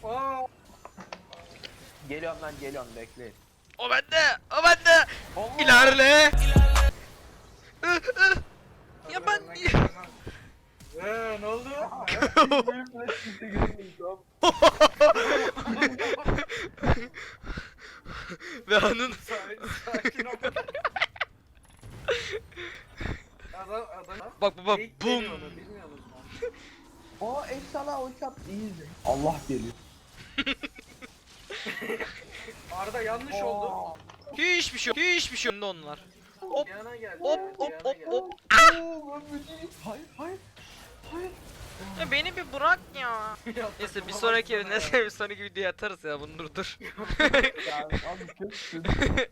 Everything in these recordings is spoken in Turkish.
Aa, Geliyorum lan geliyorum bekleyin. O bende. O bende. Allah! İlerle. Ya ben hadi lan, ne oldu? Benim flash kimse görmeyin tamam. ve onun Sakin ol. Adam. bak bak Geyik bum. deniyor onu, bilmiyor musun? O efsane ulti attı iyiyiz. Allah geliyor. Arda yanlış oldu. Hiçbir şey yok. Hiçbir şey yok. Onlar. Hop. Yana geldi. Hop hop yana hop geldi. hop. Hayır hayır. Hayır. Ya beni bir bırak ya. Neyse bir sonraki bir sonraki videoya atarız ya bunu dur. Ya abi kötüsün.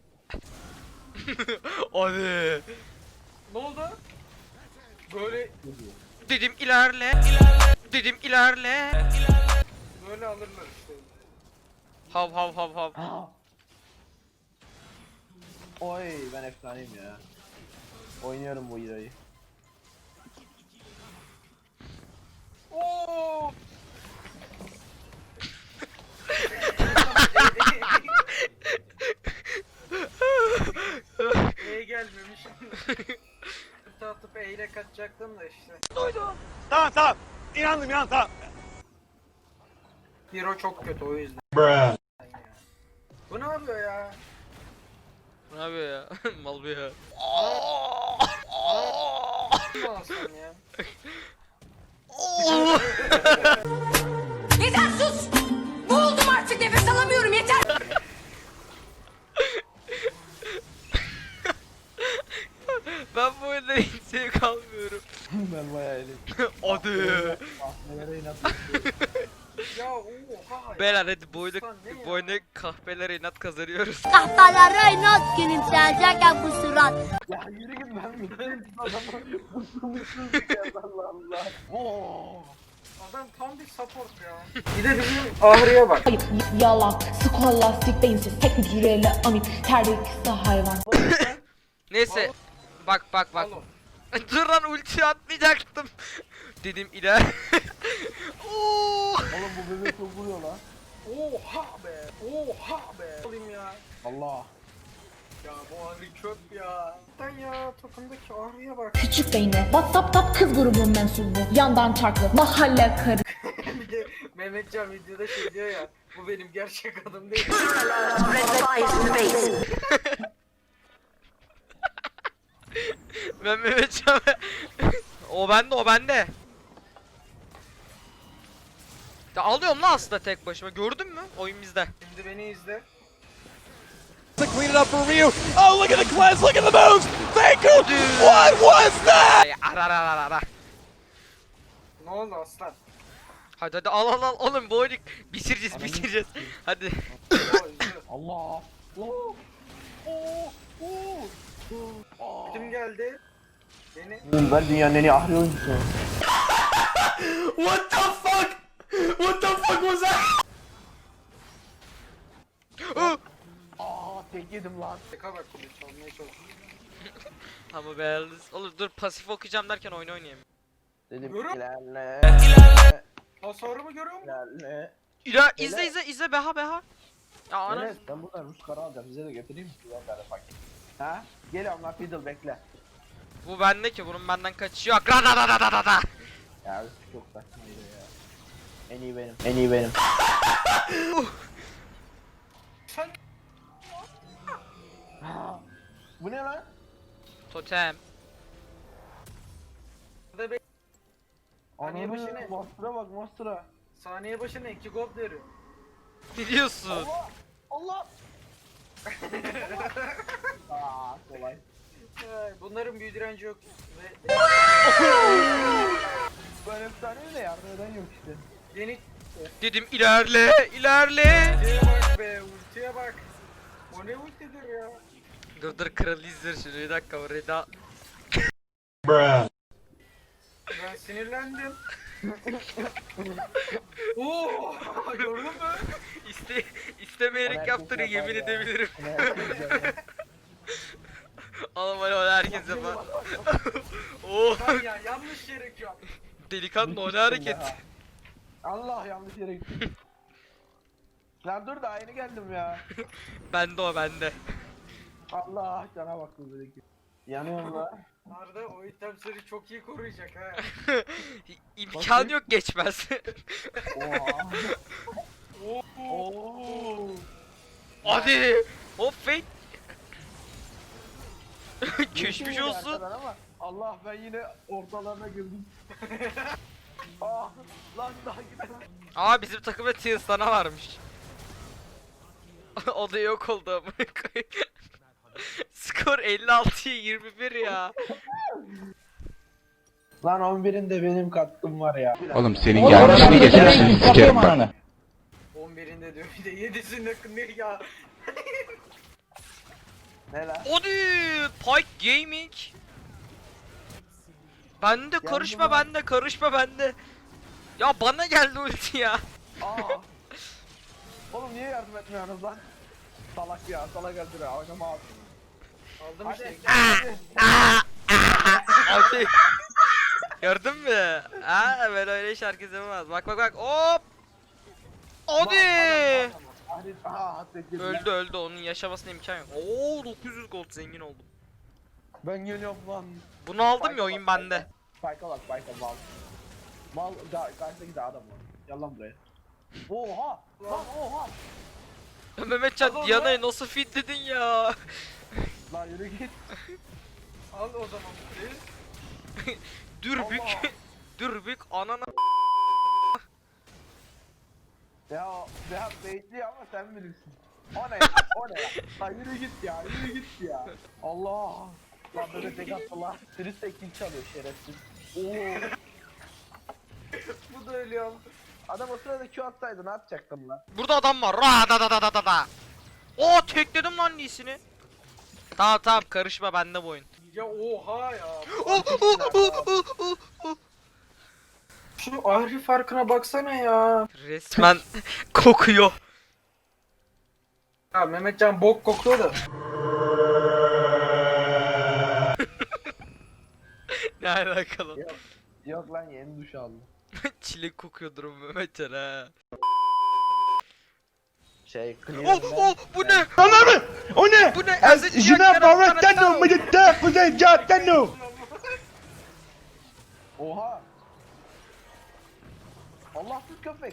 Hadi. Ne oldu? Böyle Dedim ilerle. Dedim ilerle. böyle alırlar işte. Hav hav hav hav. Ha. Oy ben efsaneyim ya. Oynuyorum bu hero'yu. Oo! Neye gelmemişim. Atıp eyle kaçacaktım da işte. Tamam tamam. İnandım tamam. Hero çok kötü o yüzden. Bu ne yapıyor ya? Ne yapıyor ya? Mal bu ya. Ne alsam ya? Yeter sus! Boğuldum artık nefes alamıyorum yeter! Ben bu oyunda hiç zevk almıyorum. Ben bayağı eğlendim. Hadi. Nelere inatmışım. Ya oha ya. Beyler hadi bu oyunda, Ulan ne ya? bu oyunda kahvelere inat kazanıyoruz. Kahkahalara inat gülümseyecekken bu surat. Ya yürü git ben mutluyum. Adamı mutsuz bir kez Allah Allah. Oo. Adam tam bir support ya. Bir de bizim Ahri'ye bak. Ayıp, yalak, skolastik, beyinsiz, tek hücreli, amip, terlikli hayvan. Neyse. Bak bak bak. Alo. Dur lan ulti atmayacaktım. Dedim iler. Oo. Oğlum bu bebek çok vuruyor lan. Oha be. Oha be. Alayım ya. Allah. Ya bu Ahri çöp ya. Sen ya takımdaki Ahri'ye bak. Küçük beyni, WhatsApp'ta kız grubunun mensubu, yandan çarklı, mahalle karı. Bir de Mehmetcan videoda şey diyor ya. Bu benim gerçek adım değil. Ben Mehmetcan. O bende o bende. Ya alıyorum lan aslında tek başıma. Gördün mü? Oyun bizde. Şimdi beni izle. Clean it up for Ryu. Oh, look at the cleanse, look at the moves. Thank you. What was that? Ay, ara. Ne oldu aslan? Hadi hadi al oğlum bu oyunu bitireceğiz. Hadi. Ya izle. Allah. Oo. Oo. Oo. Kim geldi? Beni. Ben dünyanın en iyi ahri oyuncusu. What the fuck? What the fuck was that? Aa tek yedim lan. Teka bak şimdi çalmaya çalışıyor. Ama beğendiniz. Olur dur pasif okuyacağım derken oyun oynayayım. Dedim Yürü. ilerle. Hasarımı görüyor musun? İlerle. İla izle beha. Ya ana. Enes ben buradan Rus kara alacağım. Size de götüreyim mi? Ulan böyle paket. Ha? Geliyorum lan Fiddle bekle. Bu bende ki bunun benden kaçışı yok. Ra. Ya çok saçmaydı ya. En iyi benim. En iyi benim. Sen Bu ne lan? Totem. de be Saniye başı Ananı ne? Master'a bak Master'a. Saniye başına 2 gold veriyor. Ne diyorsun? Allah! Aa kolay. Bunların büyü direnci yok. Ve Ben efsaneyim de yardım eden yok işte. yeni Dedim ilerle. ultiye bak be, ultiye bak. O ne ultidir ya? Dur kralı izler şunu bir dakika orayı da. Ben sinirlendim. Oo, gördün mü? İstemeyerek yaptığını yemin edebilirim. Oğlum öyle herkes yapar. Oo, Lan ya yanlış yere yap. delikanlı o ne hareket. Allah yanlış yere gitti. Lan dur daha yeni geldim ya. Bende o bende. Allah cana bak buradaki. Yanıyorum la. Arda o item seni çok iyi koruyacak ha. İmkan yok geçmez. Oha. Oo. Oo. Hadi. Hop fake. Geçmiş Yürüyüşe olsun. arkadan Ama Allah ben yine ortalarına girdim. Ah lan daha gidemem. Aa bizim takımda Tiersana varmış. O da yok oldu amına koyayım. Skor 56'ya 21 ya. Lan 11'inde benim katkım var ya. Oğlum senin yanlışını geçersin sikerim bak. 11'inde diyor bir de 7'sinde ne ya. Ne lan? Hadi Pike Gaming. Bende karışma lan. bende karışma bende. Ya bana geldi ulti ya. Aa. Oğlum niye yardım etmiyorsunuz lan? Salak ya, salak öldür ya, oynama abi. Aldım Hadi. işte. Hadi. Gördün mü? Ha ben öyle iş herkes yapamaz. Bak bak bak hop. Hadi. Hadi, hadi. Öldü onun yaşamasına imkan yok. Oo 900 gold zengin oldum. Ben geliyorum lan. Bunu aldım ya oyun bende. Spike'a bak, Spike'a mal. Mal, karşıdaki de adam var. Gel lan buraya. Oha! Lan oha! Mehmetcan Al onu. Diana'yı nasıl fitledin ya? Lan yürü git. Al o zaman. Dürbük. Allah. Dürbük anana. Ya bekliyor ama sen bilirsin. O ne ya? O ne ya? Lan yürü git ya, yürü git ya. Allah! Lan böyle tek attı lan. Birisi de kill çalıyor şerefsiz. Oo! Bu da ölüyor. Adam o sırada Q atsaydı ne yapacaktım lan? Burada adam var. Ra da da da da da da. Oo tekledim lan iyisini. Tamam tamam karışma bende bu oyun. Ya oha ya. Oh, oh, oh, oh, oh, oh. Şu ahri farkına baksana ya. Resmen kokuyor. Ya Mehmetcan bok kokuyor da. Ne alakalı? Yok lan yeni duş aldım. Çilek kokuyordur o Mehmetcan ha. Clear Oh bu ne? O ne? Bu ne? Oha! Allahsız köpek!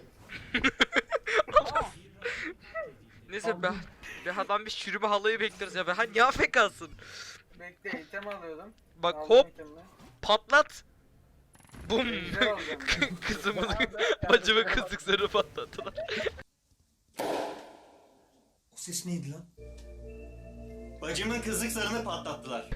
Neyse be. Behadan bir çürüme halayı bekliyoruz ya. Beha niye afekasın? Bekle item alıyordum. Bak Aldım hop itemini. patlat. Bum. Ejder alacağım ben. Kızımın bacımın kızlıklarını patlattılar. O ses neydi lan? Bacımın kızlık sarını patlattılar.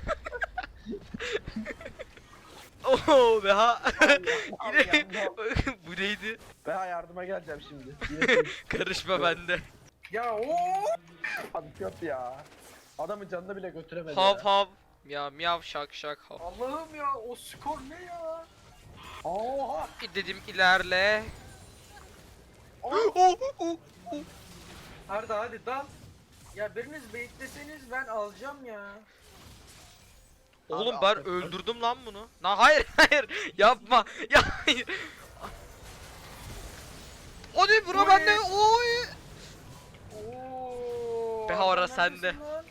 Oo Beha. Yine Allah. bu neydi? Ben yardıma geleceğim şimdi. Karışma bende. Ya o. Hadi köp ya. Adamın canını bile götüremedi Hav ya. hav. Ya miyav şak şak hav. Allah'ım ya o skor ne ya? Oha! Dedim ilerle. Arda hadi dal. Ya biriniz bekleseniz ben alacağım ya. Oğlum Abi, ben affet. öldürdüm lan bunu. Hayır hayır yapma. Ya hayır. Hadi bura Oy. bende. Oy. Oo. Be hara Arda sende. neredesin lan?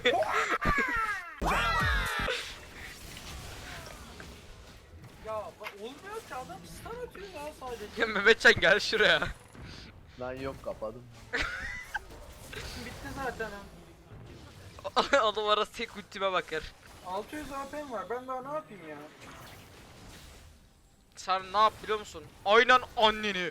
Ya olmuyor ki adam stun atıyor ya sadece. Ya Mehmetcan gel şuraya. Lan yok kapadım. Bitti zaten ha. Adam arası tek ultime bakar. 600 AP'm var ben daha ne yapayım ya? Sen ne yap biliyor musun? Aynen anneni.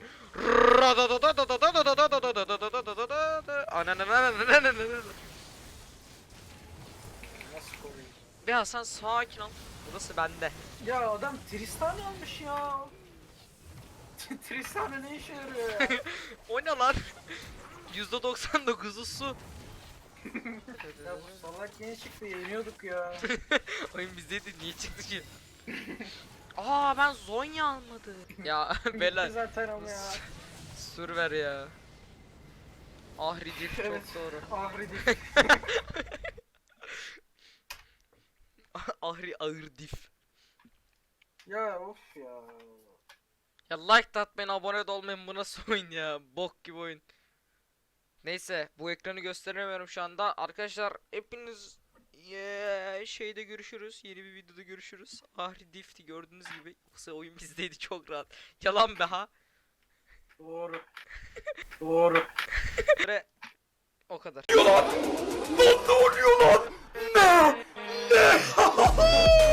Nasıl koruyayım? Ya sen sakin ol. Burası bende. Ya adam Tristan almış ya. Tristan ne işe yarıyor ya? O ne lan? %99'u su. Ya bu salak niye çıktı yeniyorduk ya. Oyun bizdeydi niye çıktı ki? Aa ben Zonya almadım. Ya Bitti beyler zaten ama ya. sur ver ya. Ahridir Evet. çok doğru. Ahri Ahri ağır dif. Ya of ya. Ya like da atmayın abone de olmayın bu nasıl oyun ya bok gibi oyun. Neyse bu ekranı gösteremiyorum şu anda. Arkadaşlar hepiniz şeyde görüşürüz. Yeni bir videoda görüşürüz. Ahri Difti gördüğünüz gibi. Yoksa oyun bizdeydi çok rahat. Yalan be ha. Doğru. Doğru. Ve o kadar. Ne oluyor lan? Ne?